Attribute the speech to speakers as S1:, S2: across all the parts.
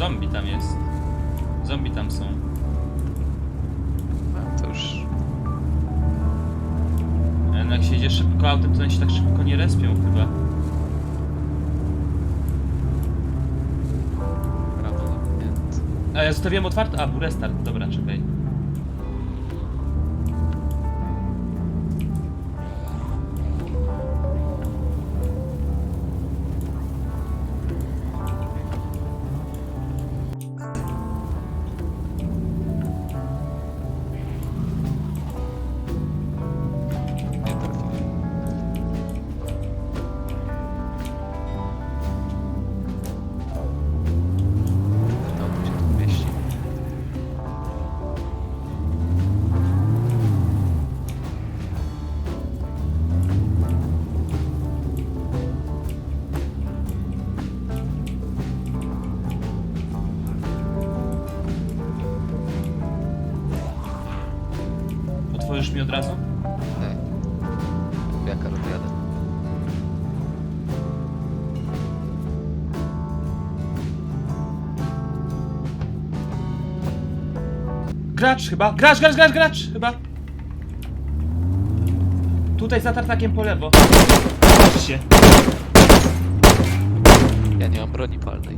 S1: Zombie tam jest. Zombie tam są.
S2: A, to już...
S1: No jak się jedzie szybko autem, to oni się tak szybko nie respią chyba.
S2: Prawo zamknięte.
S1: A ja zostawiłem otwarte? A, był restart. Dobra, czekaj.
S2: Nie trafiłem. To tu się tu mieści.
S1: Otworzysz mi od razu?
S2: Tak. Jaka rozjadę?
S1: Gracz chyba! Gracz chyba! Tutaj za tartakiem po lewo. Patrzcie.
S2: Ja nie mam broni palnej.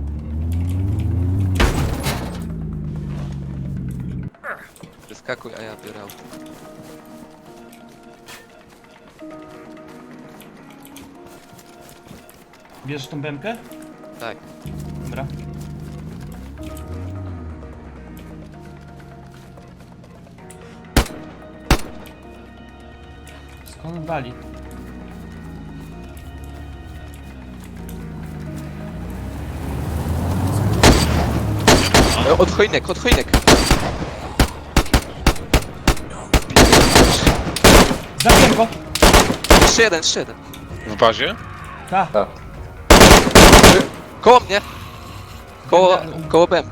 S2: Wyskakuj, a ja biorę auto.
S1: Bierzesz tą bemkę?
S2: Tak.
S1: Dobra. Skąd on wali?
S2: Od choinek, od choinek!
S1: Zabiłem go!
S2: Jeszcze jeden, jeszcze jeden.
S3: W bazie?
S1: Ta.
S2: Koło mnie! Koło BM.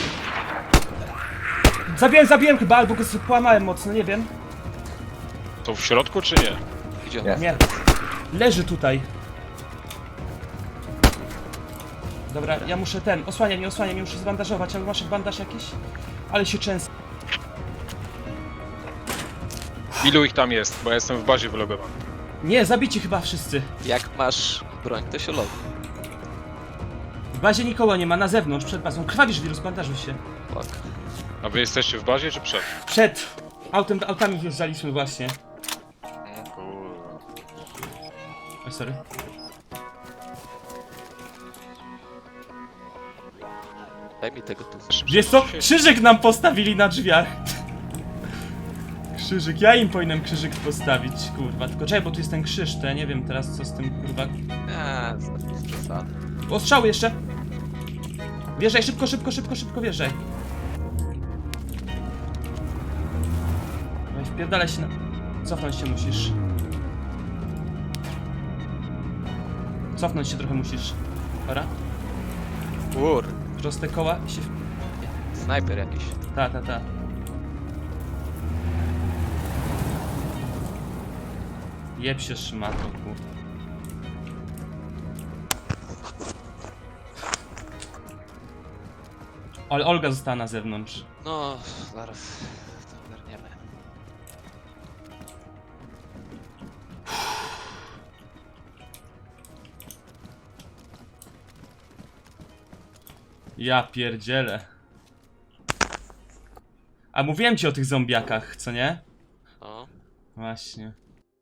S1: Zabiłem chyba, albo go połamałem mocno, nie wiem.
S3: To w środku czy nie?
S2: Gdzie on?
S4: Nie.
S1: Nie. Leży tutaj. Dobra, ja muszę osłaniaj mnie, muszę zbandażować, ale masz bandaż jakiś? Ale się często.
S3: Ilu ich tam jest? Bo ja jestem w bazie wylogowany.
S1: Nie, zabici chyba wszyscy.
S2: Jak masz broń, to się logo.
S1: W bazie nikogo nie ma, na zewnątrz, przed bazą. Krwawisz wirus, bandażuj się.
S2: Fuck.
S3: A wy jesteście w bazie czy przed?
S1: Przed. Autami wjeżdżaliśmy właśnie.
S3: O kurwa.
S1: Oj, sorry.
S2: Daj mi tego tu.
S1: Wiesz co? Krzyżyk nam postawili na drzwiach. Krzyżyk, ja im powinienem krzyżyk postawić, kurwa. Tylko czekaj, bo tu jest ten krzyż, to ja nie wiem teraz co z tym, kurwa.
S2: Z przesady.
S1: Ostrzały jeszcze! Wjeżdżaj, szybko wjeżdżaj. No i wpierdalaj się na... Cofnąć się musisz. Cofnąć się trochę musisz. Dobra?
S2: Kur.
S1: Proste koła i się...
S2: Snajper jakiś.
S1: Ta. Jeb się szmatą, kurwa. Ale Olga została na zewnątrz.
S2: No, zaraz to ogarniemy.
S1: Ja pierdzielę. A mówiłem ci o tych zombiakach, co nie?
S2: No.
S1: Właśnie.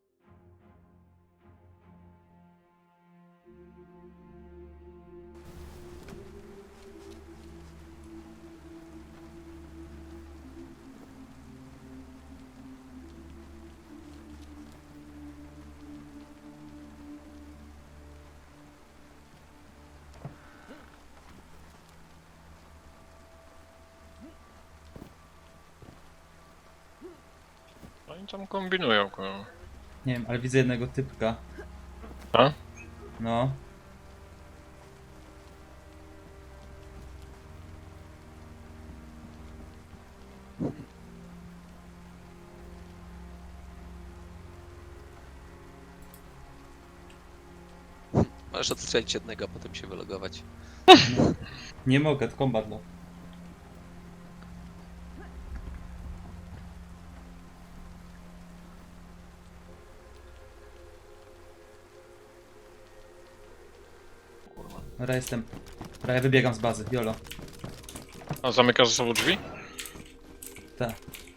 S3: Oni tam kombinują, kurwa.
S1: Nie wiem, ale widzę jednego typka.
S3: A?
S1: No.
S2: Możesz odstrzelić jednego, a potem się wylogować.
S1: Nie mogę, to kombat no.
S2: Kurwa.
S1: Dobra, jestem. Dobra, ja wybiegam z bazy, jolo.
S3: A zamykasz ze sobą drzwi?
S1: Tak.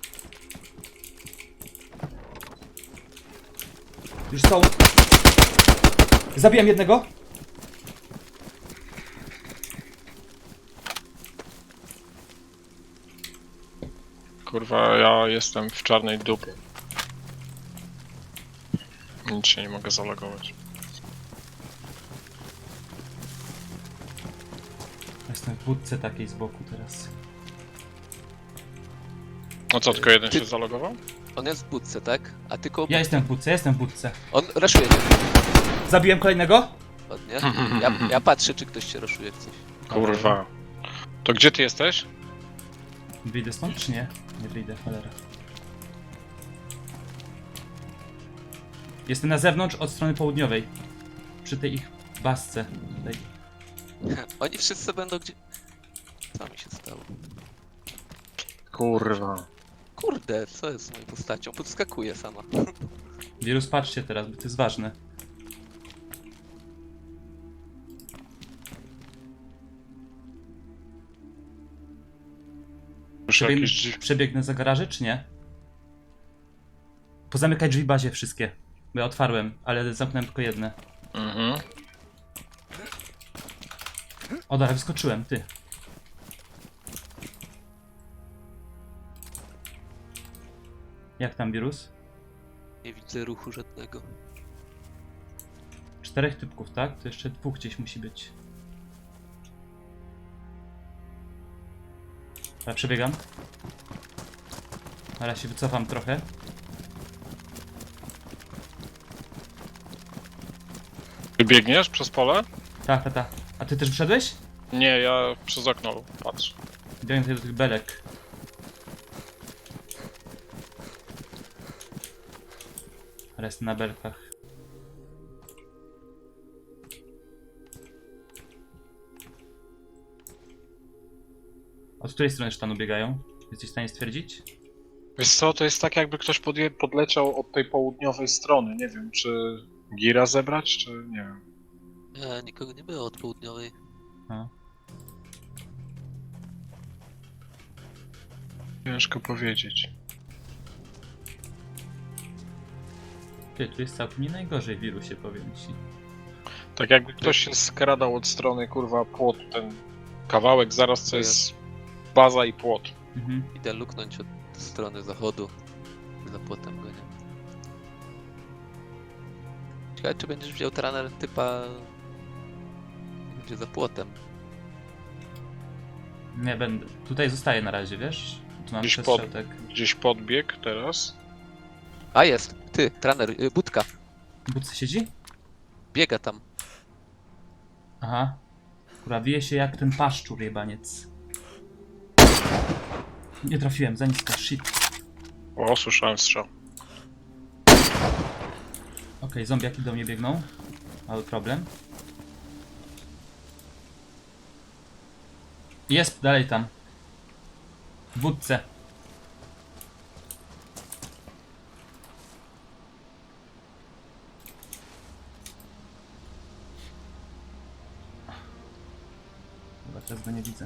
S1: Już są. Zabiłem jednego.
S3: Kurwa, ja jestem w czarnej dupie. Nic się nie mogę zalogować.
S1: Jestem w budce takiej z boku teraz.
S3: No co, tylko jeden
S2: Ty-
S3: się zalogował?
S2: On jest w budce, tak? A ty koło...
S1: Ja jestem w budce, jestem w budce.
S2: On raszuje cię.
S1: Zabiłem kolejnego.
S2: Ładnie. Ja patrzę, czy ktoś się raszuje jak coś.
S3: Kurwa. To gdzie ty jesteś?
S1: Wyjdę stąd czy nie? Nie wyjdę, cholera. Jestem na zewnątrz od strony południowej. Przy tej ich basce. Tutaj.
S2: Oni wszyscy będą gdzie... Co mi się stało?
S3: Kurwa.
S2: Kurde, co jest z moją postacią? Podskakuje sama.
S1: Wirus, patrzcie teraz, bo to jest ważne.
S3: Słyszę jakieś drzwi.
S1: Przebiegnę za garaże, czy nie? Pozamykaj drzwi w bazie wszystkie. Bo ja otwarłem, ale zamknąłem tylko jedne.
S3: Mhm.
S1: O, dobra, wyskoczyłem, ty. Jak tam wirus?
S2: Nie widzę ruchu żadnego.
S1: 4 typków, tak? To jeszcze 2 gdzieś musi być. Dobra, przebiegam. Teraz się wycofam trochę.
S3: Ty biegniesz przez pole?
S1: Tak, tak, tak. A ty też wyszedłeś?
S3: Nie, ja przez okno patrzę.
S1: Biegam tutaj do tych belek. Ale jestem na belkach. Od której strony sztanu biegają? Jesteś w stanie stwierdzić?
S3: Wiesz co, to jest tak jakby ktoś podleciał od tej południowej strony. Nie wiem, czy gira zebrać, czy nie wiem.
S2: Nie, nikogo nie było od południowej.
S1: A.
S3: Ciężko powiedzieć.
S1: Ty, tu jest całkiem nie najgorzej w wirusie, powiem ci.
S3: Tak jakby ktoś się skradał od strony, kurwa, płotu, ten kawałek, zaraz to jest baza i płot.
S1: Mhm.
S2: Idę luknąć od strony zachodu. Za płotem go nie. Ciekawe, czy będziesz wziął traner typa... Gdzie za płotem.
S1: Nie będę. Tutaj zostaję na razie, wiesz? Tu mam
S3: Gdzieś
S1: przestrzał, tak.
S3: Gdzieś podbieg teraz.
S2: A jest! Ty, traner, budka.
S1: W budce siedzi?
S2: Biega tam.
S1: Aha. Kurwa, wije się jak ten paszczur jebaniec. Nie trafiłem, za nisko, shit.
S3: O, słyszałem strzał.
S1: Okej, zombiaki do mnie biegną. Mały problem. Jest dalej tam. W budce. Chyba teraz go nie widzę.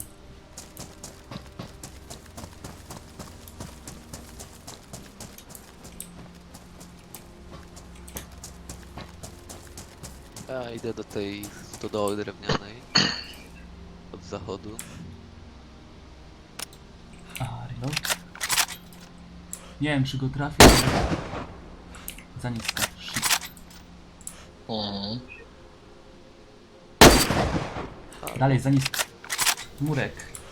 S2: Ja idę do tej stodoły drewnianej. Od zachodu.
S1: A, reload. Nie wiem, czy go trafię, ale... Za nisko, shit.
S3: Mhm.
S1: Dalej, za nisko. Murek.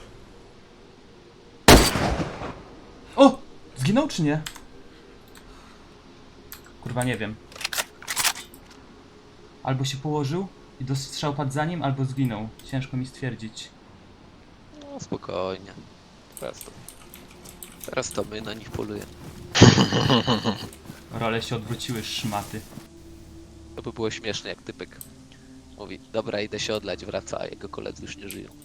S1: O! Zginął czy nie? Kurwa, nie wiem. Albo się położył i do strzał padł za nim, albo zginął. Ciężko mi stwierdzić.
S2: No spokojnie. Teraz to my na nich polujemy.
S1: Role się odwróciły, szmaty.
S2: To by było śmieszne, jak typek Mówi, dobra, idę się odlać, wraca, a jego koledzy już nie żyją.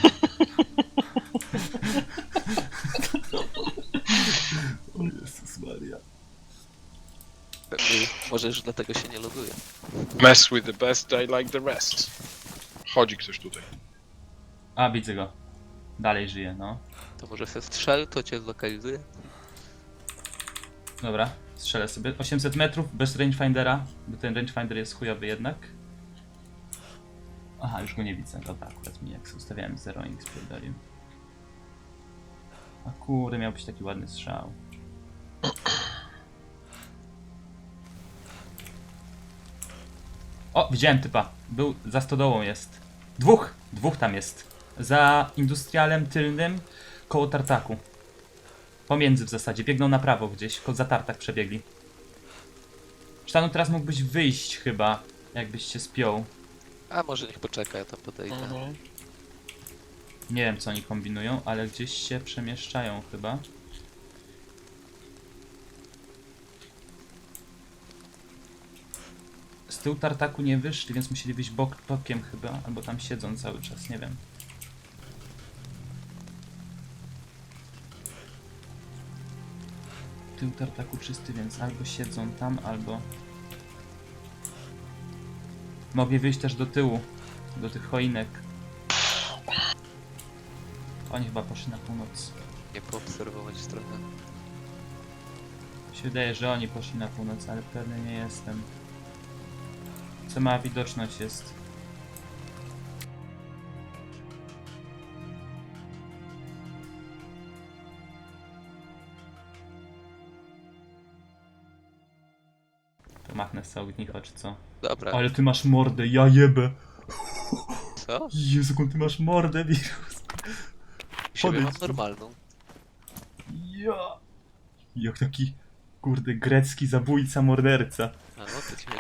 S1: O Jezus Maria.
S2: Pewnie, może już dlatego się nie loguje.
S3: Mess with the best, I like the rest. Chodzi ktoś tutaj.
S1: A, widzę go. Dalej żyje, no.
S2: To może se strzel, to cię zlokalizuje?
S1: Dobra, strzelę sobie. 800 metrów bez rangefindera, bo ten rangefinder jest chujowy jednak. Aha, już go nie widzę. Dobra, akurat mi jak sobie ustawiałem 0 i spierdolił. A kurde, miał być taki ładny strzał. O, widziałem typa. Był za stodołą jest. Dwóch tam jest. Za industrialem tylnym, koło tartaku. Pomiędzy w zasadzie, biegną na prawo gdzieś, za tartak przebiegli. Sztanu, teraz mógłbyś wyjść chyba, jakbyś się spiął.
S2: A może niech poczeka, ja tam podejdę.
S1: Nie wiem co oni kombinują, ale gdzieś się przemieszczają chyba. Z tyłu tartaku nie wyszli, więc musieli wyjść bokiem chyba, albo tam siedzą cały czas, nie wiem. Tył tartaku czysty, więc albo siedzą tam, albo... Mogli wyjść też do tyłu, do tych choinek. Oni chyba poszli na północ.
S2: Nie poobserwować trochę.
S1: Mi się wydaje, że oni poszli na północ, ale pewny nie jestem. Co ma widoczność jest. To machnę z ognicho, czy co?
S2: Dobra,
S1: Ale ty masz mordę, ja jebę!
S2: co?
S1: Jezu, jaką ty masz mordę, wirus!
S2: Siebie mam
S1: podejdź tu.
S2: normalną.
S1: Ja! Jak taki, kurde, grecki zabójca, morderca.
S2: A no, to ci